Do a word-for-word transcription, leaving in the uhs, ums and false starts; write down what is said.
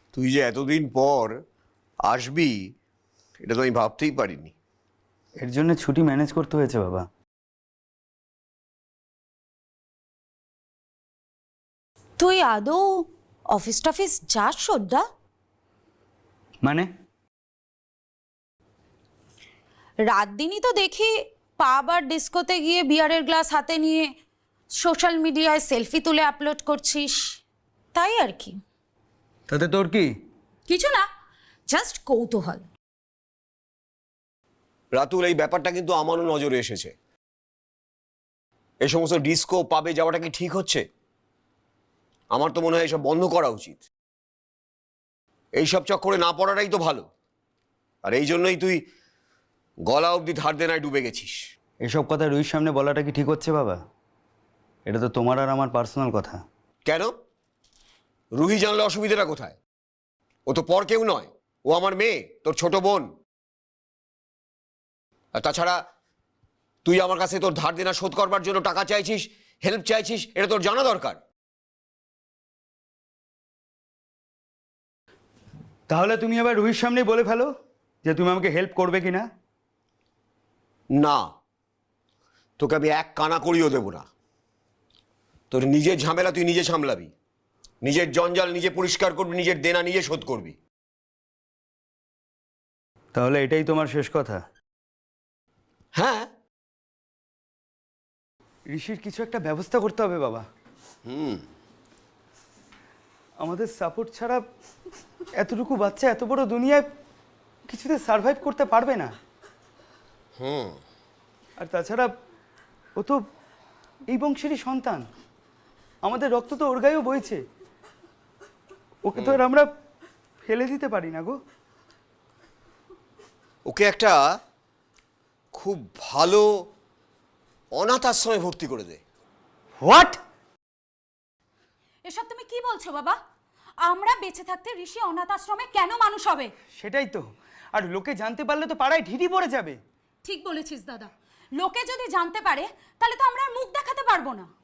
তুই যে এতদিন পর আসবি এটা তো আমি ভাবতেই পারিনি। এর জন্য ছুটি ম্যানেজ করতে হয়েছে বাবা। তুই আদৌ অফিস টফিস যাস শ্রদ্ধা? মানে রাত দিনই তো দেখি পাব আর ডিস্কোতে গিয়ে বিয়ারের গ্লাস হাতে নিয়ে সোশ্যাল মিডিয়ায় সেলফি তুলে আপলোড করছিস, তাই আর কি। তাতে তোর কি? কিছু না, জাস্ট কৌতূহল। রাতুল, এই ব্যাপারটা কিন্তু আমারও নজরে এসেছে। এই সমস্ত ডিস্কো পাবে যাওয়াটা কি ঠিক হচ্ছে? আমার তো মনে হয় এসব বন্ধ করা উচিত। এইসব চক্করে না পড়াটাই তো ভালো। আর এই জন্যই তুই গলা অবধি ধার দেনায় ডুবে গেছিস। এসব কথা রুহির সামনে বলাটা কি ঠিক হচ্ছে বাবা? এটা তো তোমার আর আমার পার্সোনাল কথা। কেন? রুহি জানলে অসুবিধাটা কোথায়? ও তো পর কেউ নয়, ও আমার মেয়ে, তোর ছোট বোন। আর তাছাড়া তুই আমার কাছে তোর ধার দেনা শোধ করবার জন্য টাকা চাইছিস, হেল্প চাইছিস, এটা তোর জানা দরকার। তাহলে তুমি এবার রুহির সামনেই বলে ফেলো যে তুমি আমাকে হেল্প করবে কিনা। না, তোকে আমি এক কানা করিও দেব না। তোর নিজের ঝামেলা তুই নিজে সামলাবি, নিজের জঞ্জাল নিজে পরিষ্কার করবি, নিজের দেনা নিজে শোধ করবি। তাহলে এটাই তোমার শেষ কথা? হ্যাঁ। ঋষির কিছু একটা ব্যবস্থা করতে হবে বাবা। হুম। আমাদের সাপোর্ট ছাড়া এতটুকু বাচ্চা এত বড় দুনিয়ায় কিছুতে সার্ভাইভ করতে পারবে না। হুম। আর তাছাড়া ও তো এই বংশেরই সন্তান, আমাদের রক্ত তো ওর গায়েও বইছে। ওকে তো আর আমরা ফেলে দিতে পারি না গো। ওকে একটা খুব ভালো অনাথ আশ্রমে ভর্তি করে দে। হোয়াট? এসব তুমি কি বলছো বাবা? আমরা বেঁচে থাকতে ঋষি অনাথ আশ্রমে কেন মানুষ হবে? সেটাই তো। আর লোকে জানতে পারলে তো পাড়ায় ঢিঢি পড়ে যাবে। ঠিক বলেছিস দাদা, লোকে যদি জানতে পারে তাহলে তো আমরা আর মুখ দেখাতে পারবো না।